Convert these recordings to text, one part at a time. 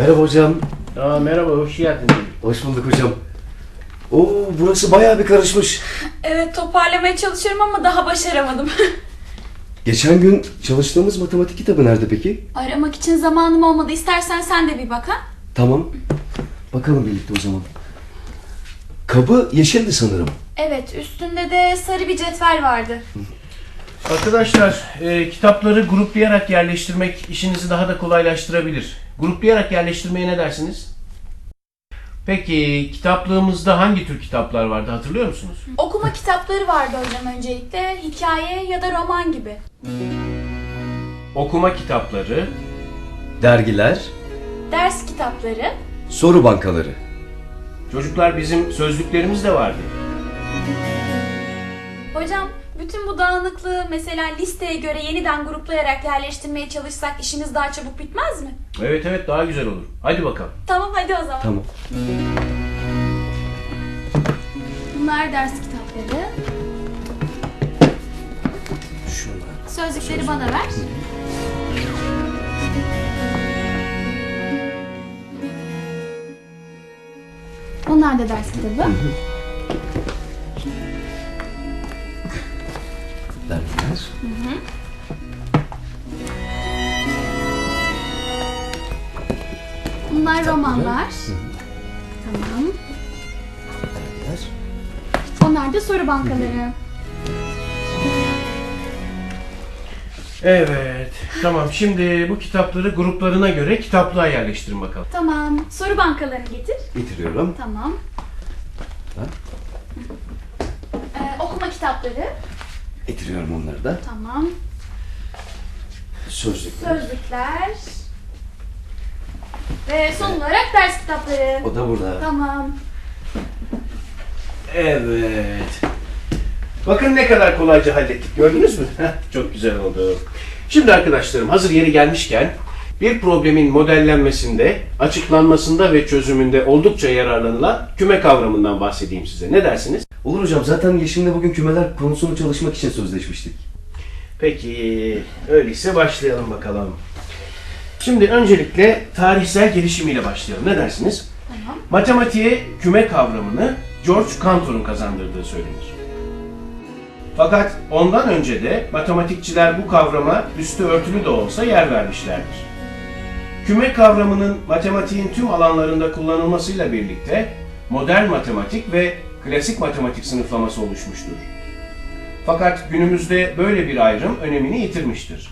Merhaba hocam. Merhaba, hoş geldin. Hoş bulduk hocam. Oo, burası bayağı bir karışmış. Evet, toparlamaya çalışıyorum ama daha başaramadım. Geçen gün çalıştığımız matematik kitabı nerede peki? Aramak için zamanım olmadı. İstersen sen de bir bak ha. Tamam. Bakalım birlikte o zaman. Kabı yeşildi sanırım. Evet, üstünde de sarı bir cetvel vardı. Arkadaşlar, kitapları gruplayarak yerleştirmek işinizi daha da kolaylaştırabilir. Gruplayarak yerleştirmeye ne dersiniz? Peki, kitaplığımızda hangi tür kitaplar vardı, hatırlıyor musunuz? Okuma kitapları vardı hocam öncelikle. Hikaye ya da roman gibi. Okuma kitapları, Dergiler, Ders kitapları. soru bankaları. çocuklar bizim sözlüklerimiz de vardı. Hocam, bütün bu dağınıklığı mesela listeye göre yeniden gruplayarak yerleştirmeye çalışsak işimiz daha çabuk bitmez mi? Evet, daha güzel olur. Hadi bakalım. Tamam, hadi o zaman. Tamam. Bunlar ders kitapları. Şunlar. Sözlükleri bana ver. Bunlar da ders kitabı. Dergiler. Bunlar romanlar. Tamam. Dergiler. Onlar da soru bankaları. Evet, tamam. Şimdi bu kitapları gruplarına göre kitaplığa yerleştirin bakalım. Tamam. Soru bankalarını getir. Getiriyorum. Tamam. Ha? Okuma kitapları. Getiriyorum onları da. Tamam. Sözlükler. Sözlükler. Ve son olarak ders kitapları. O da burada. Tamam. Evet. Bakın ne kadar kolayca hallettik. Gördünüz mü? Çok güzel oldu. Şimdi arkadaşlarım, hazır yeri gelmişken bir problemin modellenmesinde, açıklanmasında ve çözümünde oldukça yararlanılan küme kavramından bahsedeyim size. Ne dersiniz? Olur hocam, zaten Yeşim'le bugün kümeler konusunu çalışmak için sözleşmiştik. Peki, öyleyse başlayalım bakalım. Şimdi öncelikle tarihsel gelişimiyle başlayalım. Ne dersiniz? Tamam. Matematiğe küme kavramını George Cantor'un kazandırdığı söylenir. Fakat ondan önce de matematikçiler bu kavrama üstü örtülü de olsa yer vermişlerdir. Küme kavramının matematiğin tüm alanlarında kullanılmasıyla birlikte modern matematik ve klasik matematik sınıflaması oluşmuştur. Fakat günümüzde böyle bir ayrım önemini yitirmiştir.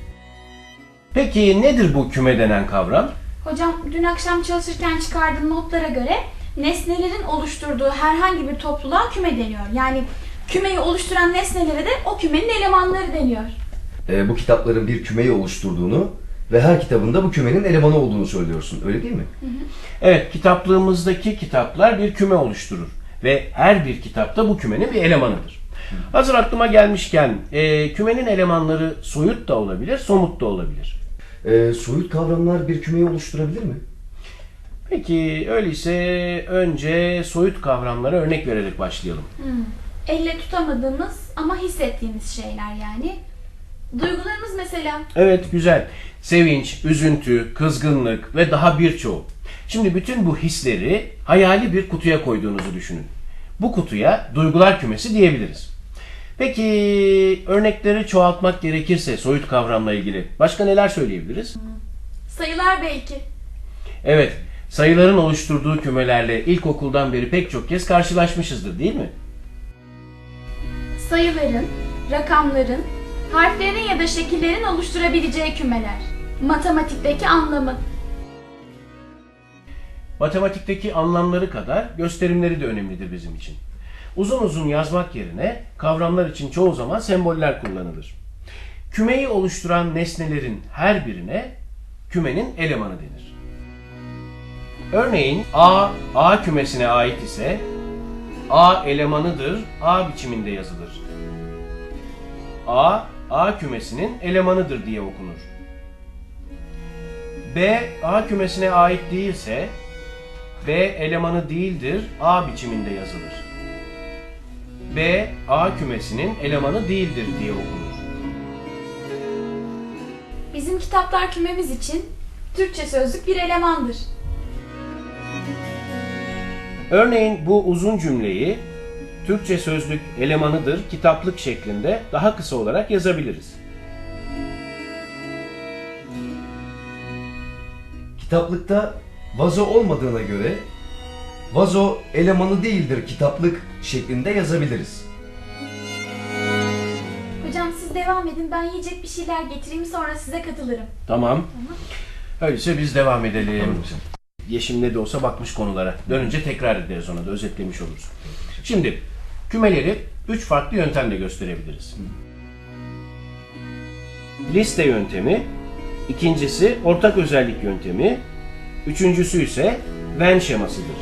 Peki nedir bu küme denen kavram? Hocam, dün akşam çalışırken çıkardığım notlara göre nesnelerin oluşturduğu herhangi bir topluluğa küme deniyor. Yani kümeyi oluşturan nesnelere de o kümenin elemanları deniyor. Bu kitapların bir kümeyi oluşturduğunu ve her kitabında bu kümenin elemanı olduğunu söylüyorsun. Öyle değil mi? Evet, kitaplığımızdaki kitaplar bir küme oluşturur ve her bir kitapta bu kümenin bir elemanıdır. Hazır aklıma gelmişken, kümenin elemanları soyut da olabilir, somut da olabilir. Soyut kavramlar bir kümeyi oluşturabilir mi? Peki, öyleyse önce soyut kavramlara örnek vererek başlayalım. Elle tutamadığımız ama hissettiğimiz şeyler yani. Duygularımız mesela. Evet, güzel. Sevinç, üzüntü, kızgınlık ve daha birçoğu. Şimdi bütün bu hisleri hayali bir kutuya koyduğunuzu düşünün. Bu kutuya duygular kümesi diyebiliriz. Peki örnekleri çoğaltmak gerekirse soyut kavramla ilgili başka neler söyleyebiliriz? Sayılar belki. Evet, sayıların oluşturduğu kümelerle ilkokuldan beri pek çok kez karşılaşmışızdır, değil mi? Sayıların, rakamların, harflerin ya da şekillerin oluşturabileceği kümeler. Matematikteki anlamı. Matematikteki anlamları kadar gösterimleri de önemlidir bizim için. Uzun uzun yazmak yerine kavramlar için çoğu zaman semboller kullanılır. Kümeyi oluşturan nesnelerin her birine kümenin elemanı denir. Örneğin A kümesine ait ise A elemanıdır, A biçiminde yazılır. A kümesinin elemanıdır diye okunur. B A kümesine ait değilse B elemanı değildir, A biçiminde yazılır. B A kümesinin elemanı değildir diye okunur. Bizim kitaplar kümemiz için Türkçe sözlük bir elemandır. Örneğin bu uzun cümleyi Türkçe sözlük elemanıdır kitaplık şeklinde daha kısa olarak yazabiliriz. Kitaplıkta vazo olmadığına göre vazo elemanı değildir kitaplık şeklinde yazabiliriz. Hocam siz devam edin, ben yiyecek bir şeyler getireyim, sonra size katılırım. Tamam. Öyleyse biz devam edelim. Tamam hocam. Yeşim ne de olsa bakmış konulara. Dönünce tekrar ederiz, ona da özetlemiş oluruz. Şimdi kümeleri 3 farklı yöntemle gösterebiliriz. Liste yöntemi, ikincisi ortak özellik yöntemi, üçüncüsü ise Venn şemasıdır.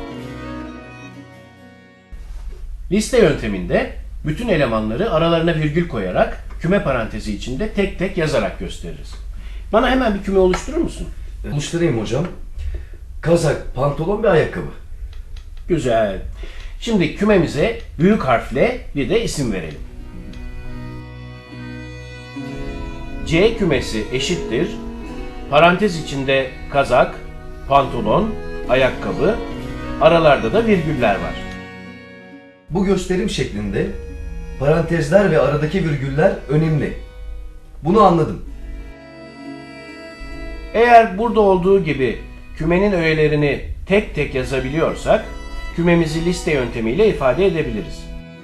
Liste yönteminde bütün elemanları aralarına virgül koyarak küme parantezi içinde tek tek yazarak gösteririz. Bana hemen bir küme oluşturur musun? Oluşturayım hocam. Kazak, pantolon ve ayakkabı. Güzel. Şimdi kümemize büyük harfle bir de isim verelim. C kümesi eşittir. Parantez içinde kazak, pantolon, ayakkabı, aralarda da virgüller var. Bu gösterim şeklinde parantezler ve aradaki virgüller önemli. Bunu anladım. Eğer burada olduğu gibi kümenin öğelerini tek tek yazabiliyorsak, kümemizi liste yöntemiyle ifade edebiliriz.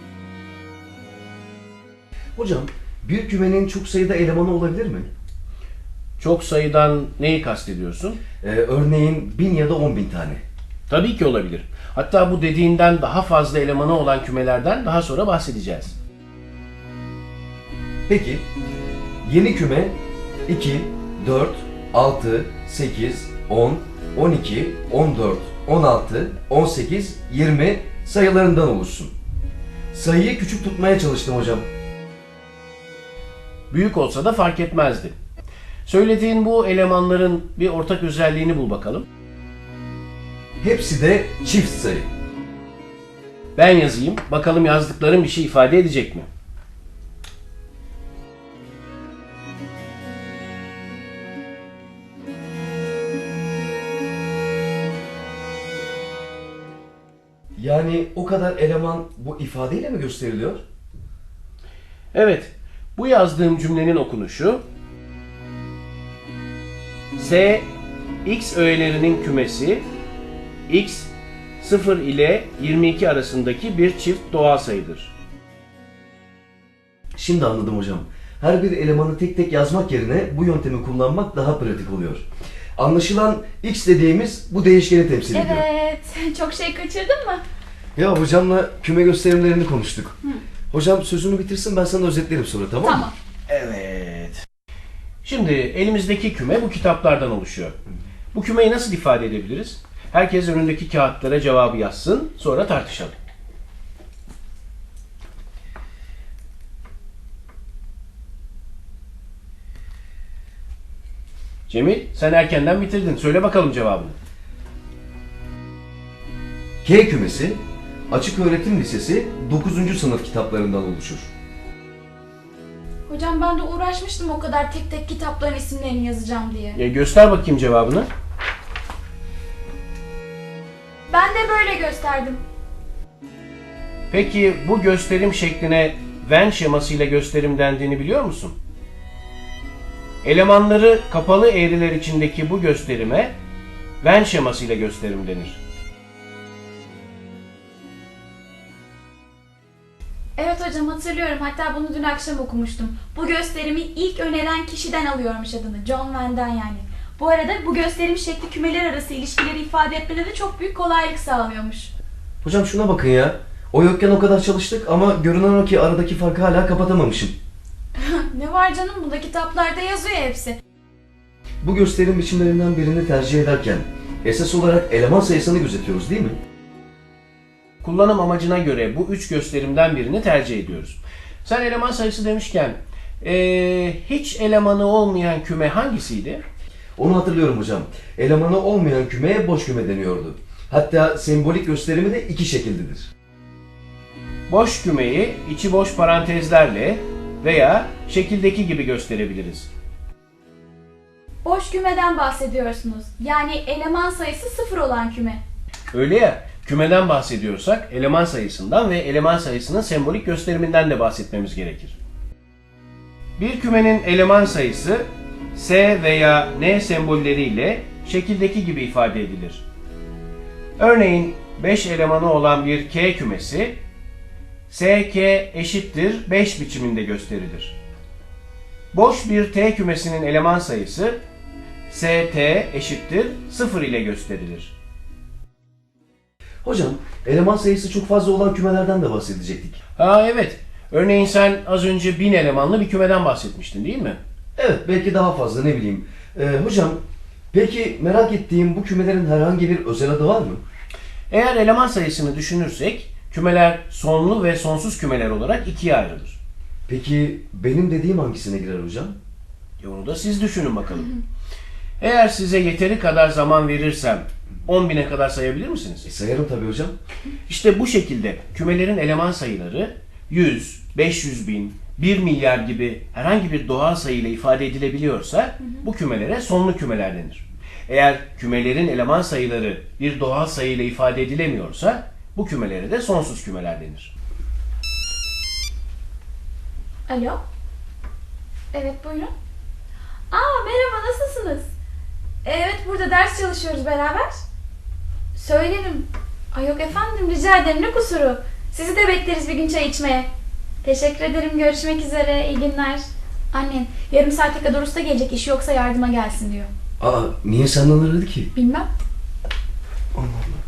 Hocam, bir kümenin çok sayıda elemanı olabilir mi? Çok sayıdan neyi kastediyorsun? Örneğin 1000 ya da 10.000 tane. Tabii ki olabilir. Hatta bu dediğinden daha fazla elemanı olan kümelerden daha sonra bahsedeceğiz. Peki, yeni küme 2, 4, 6, 8, 10, 12, 14, 16, 18, 20 sayılarından oluşsun. Sayıyı küçük tutmaya çalıştım hocam. Büyük olsa da fark etmezdi. Söylediğin bu elemanların bir ortak özelliğini bul bakalım. Hepsi de çift sayı. Ben yazayım, bakalım yazdıklarım bir şey ifade edecek mi? Yani o kadar eleman bu ifadeyle mi gösteriliyor? Evet, bu yazdığım cümlenin okunuşu S, X öğelerinin kümesi, X, 0 ile 22 arasındaki bir çift doğal sayıdır. Şimdi anladım hocam. Her bir elemanı tek tek yazmak yerine bu yöntemi kullanmak daha pratik oluyor. Anlaşılan x dediğimiz bu değişkeni temsil ediyor. Evet, çok şey kaçırdın mı? Ya hocamla küme gösterimlerini konuştuk. Hocam sözünü bitirsin, ben sana özetlerim sonra, tamam mı? Tamam. Evet. Şimdi elimizdeki küme bu kitaplardan oluşuyor. Bu kümeyi nasıl ifade edebiliriz? Herkes önündeki kağıtlara cevabı yazsın, sonra tartışalım. Cemil, sen erkenden bitirdin. Söyle bakalım cevabını. K kümesi Açık Öğretim Lisesi 9. sınıf kitaplarından oluşur. Hocam ben de uğraşmıştım o kadar tek tek kitapların isimlerini yazacağım diye. Göster bakayım cevabını. Ben de böyle gösterdim. Peki bu gösterim şekline Venn şemasıyla gösterim dendiğini biliyor musun? Elemanları kapalı eğriler içindeki bu gösterime Venn şemasıyla gösterim denir. Evet hocam, hatırlıyorum. Hatta bunu dün akşam okumuştum. Bu gösterimi ilk öneren kişiden alıyormuş adını. John Wenn'den yani. Bu arada bu gösterim şekli kümeler arası ilişkileri ifade etmede de çok büyük kolaylık sağlıyormuş. Hocam şuna bakın ya. O yokken o kadar çalıştık ama görünen o ki aradaki farkı hala kapatamamışım. Ne var canım, bunda kitaplarda yazıyor hepsi. Bu gösterim biçimlerinden birini tercih ederken esas olarak eleman sayısını gözetiyoruz değil mi? Kullanım amacına göre bu üç gösterimden birini tercih ediyoruz. Sen eleman sayısı demişken hiç elemanı olmayan küme hangisiydi? Onu hatırlıyorum hocam. Elemanı olmayan kümeye boş küme deniyordu. Hatta sembolik gösterimi de iki şekildedir. Boş kümeyi içi boş parantezlerle veya şekildeki gibi gösterebiliriz. Boş kümeden bahsediyorsunuz. Yani eleman sayısı 0 olan küme. Öyle ya, kümeden bahsediyorsak eleman sayısından ve eleman sayısının sembolik gösteriminden de bahsetmemiz gerekir. Bir kümenin eleman sayısı S veya N sembolleriyle şekildeki gibi ifade edilir. Örneğin 5 elemanı olan bir K kümesi SK eşittir 5 biçiminde gösterilir. Boş bir T kümesinin eleman sayısı ST eşittir 0 ile gösterilir. Hocam, eleman sayısı çok fazla olan kümelerden de bahsedecektik. Evet. Örneğin sen az önce 1000 elemanlı bir kümeden bahsetmiştin değil mi? Evet, belki daha fazla, ne bileyim. Hocam, peki merak ettiğim bu kümelerin herhangi bir özel adı var mı? Eğer eleman sayısını düşünürsek kümeler sonlu ve sonsuz kümeler olarak ikiye ayrılır. Peki benim dediğim hangisine girer hocam? Onu da siz düşünün bakalım. Eğer size yeteri kadar zaman verirsem 10.000'e kadar sayabilir misiniz? Sayarım tabii hocam. İşte bu şekilde kümelerin eleman sayıları 100, 500 bin, 1 milyar gibi herhangi bir doğal sayı ile ifade edilebiliyorsa bu kümelere sonlu kümeler denir. Eğer kümelerin eleman sayıları bir doğal sayı ile ifade edilemiyorsa bu kümelere de sonsuz kümeler denir. Alo? Evet, buyurun. Merhaba, nasılsınız? Evet, burada ders çalışıyoruz beraber. Söylerim. Yok efendim, rica ederim, ne kusuru. Sizi de bekleriz bir gün çay içmeye. Teşekkür ederim, görüşmek üzere, iyi günler. Annen yarım saate kadar usta gelecek, işi yoksa yardıma gelsin diyor. Niye senden aradı ki? Bilmem. Allah Allah.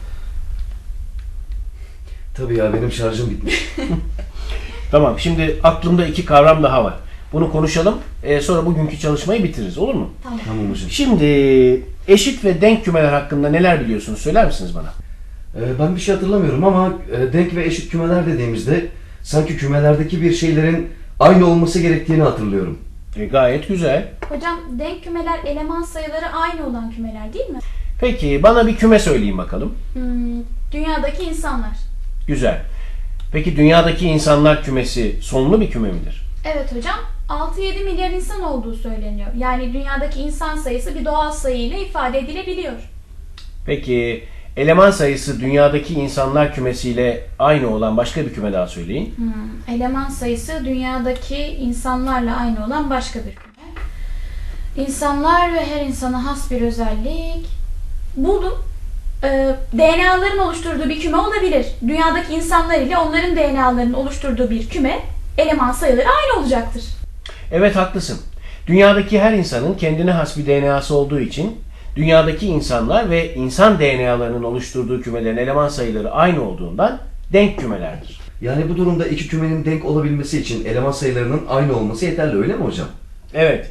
Tabii ya, benim şarjım bitmiş. Tamam, şimdi aklımda iki kavram daha var. Bunu konuşalım, sonra bugünkü çalışmayı bitiririz, olur mu? Tamam. Tamam hocam. Şimdi eşit ve denk kümeler hakkında neler biliyorsunuz, söyler misiniz bana? Ben bir şey hatırlamıyorum ama denk ve eşit kümeler dediğimizde sanki kümelerdeki bir şeylerin aynı olması gerektiğini hatırlıyorum. Gayet güzel. Hocam, denk kümeler eleman sayıları aynı olan kümeler değil mi? Peki bana bir küme söyleyin bakalım. Dünyadaki insanlar. Güzel. Peki dünyadaki insanlar kümesi sonlu bir küme midir? Evet hocam, 6-7 milyar insan olduğu söyleniyor. Yani dünyadaki insan sayısı bir doğal sayı ile ifade edilebiliyor. Peki eleman sayısı dünyadaki insanlar kümesiyle aynı olan başka bir küme daha söyleyin. Eleman sayısı dünyadaki insanlarla aynı olan başka bir küme. İnsanlar ve her insana has bir özellik. Buldum. DNA'ların oluşturduğu bir küme olabilir. Dünyadaki insanlar ile onların DNA'larının oluşturduğu bir küme, eleman sayıları aynı olacaktır. Evet, haklısın. Dünyadaki her insanın kendine has bir DNA'sı olduğu için dünyadaki insanlar ve insan DNA'larının oluşturduğu kümelerin eleman sayıları aynı olduğundan denk kümelerdir. Yani bu durumda iki kümenin denk olabilmesi için eleman sayılarının aynı olması yeterli, öyle mi hocam? Evet.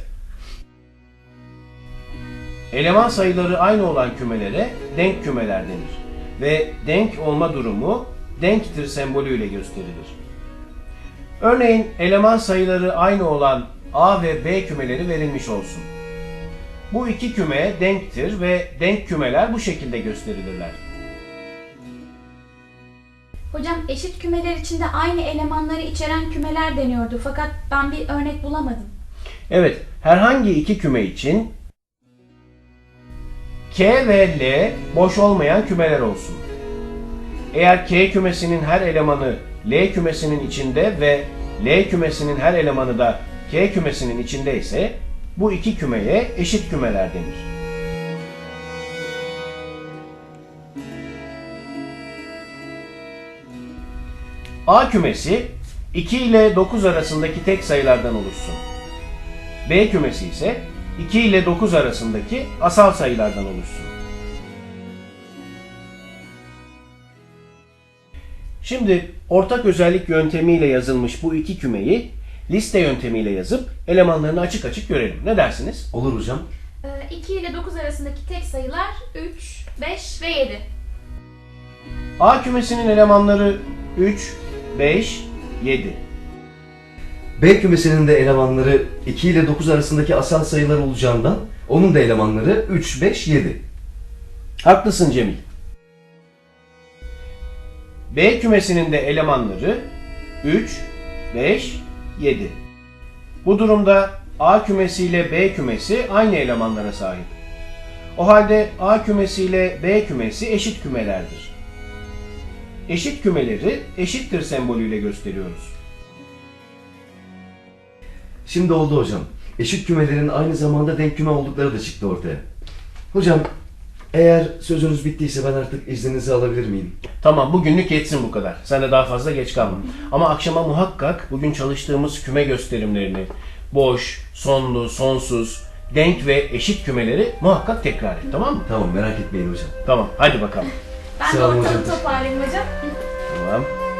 Eleman sayıları aynı olan kümelere denk kümeler denir ve denk olma durumu denktir sembolüyle gösterilir. Örneğin eleman sayıları aynı olan A ve B kümeleri verilmiş olsun. Bu iki küme denktir ve denk kümeler bu şekilde gösterilirler. Hocam, eşit kümeler içinde aynı elemanları içeren kümeler deniyordu fakat ben bir örnek bulamadım. Evet, herhangi iki küme için K ve L boş olmayan kümeler olsun. Eğer K kümesinin her elemanı L kümesinin içinde ve L kümesinin her elemanı da K kümesinin içinde ise bu iki kümeye eşit kümeler denir. A kümesi 2 ile 9 arasındaki tek sayılardan oluşsun. B kümesi ise 2 ile 9 arasındaki asal sayılardan oluşsun. Şimdi ortak özellik yöntemiyle yazılmış bu iki kümeyi liste yöntemiyle yazıp elemanlarını açık açık görelim. Ne dersiniz? Olur hocam. 2 ile 9 arasındaki tek sayılar 3, 5 ve 7. A kümesinin elemanları 3, 5, 7. B kümesinin de elemanları 2 ile 9 arasındaki asal sayılar olacağından onun da elemanları 3, 5, 7. Haklısın Cemil. B kümesinin de elemanları 3, 5, 7. Bu durumda A kümesi ile B kümesi aynı elemanlara sahip. O halde A kümesi ile B kümesi eşit kümelerdir. Eşit kümeleri eşittir sembolüyle gösteriyoruz. Şimdi oldu hocam. Eşit kümelerin aynı zamanda denk küme oldukları da çıktı ortaya. Hocam, eğer sözünüz bittiyse ben artık izninizi alabilir miyim? Tamam, bugünlük yetsin bu kadar. Sen de daha fazla geç kalma. Ama akşama muhakkak bugün çalıştığımız küme gösterimlerini, boş, sonlu, sonsuz, denk ve eşit kümeleri muhakkak tekrar et, tamam mı? Tamam, merak etmeyin hocam. Tamam, hadi bakalım. Ben de Sağ olun ortalığı hocam. toparlayayım hocam. Tamam.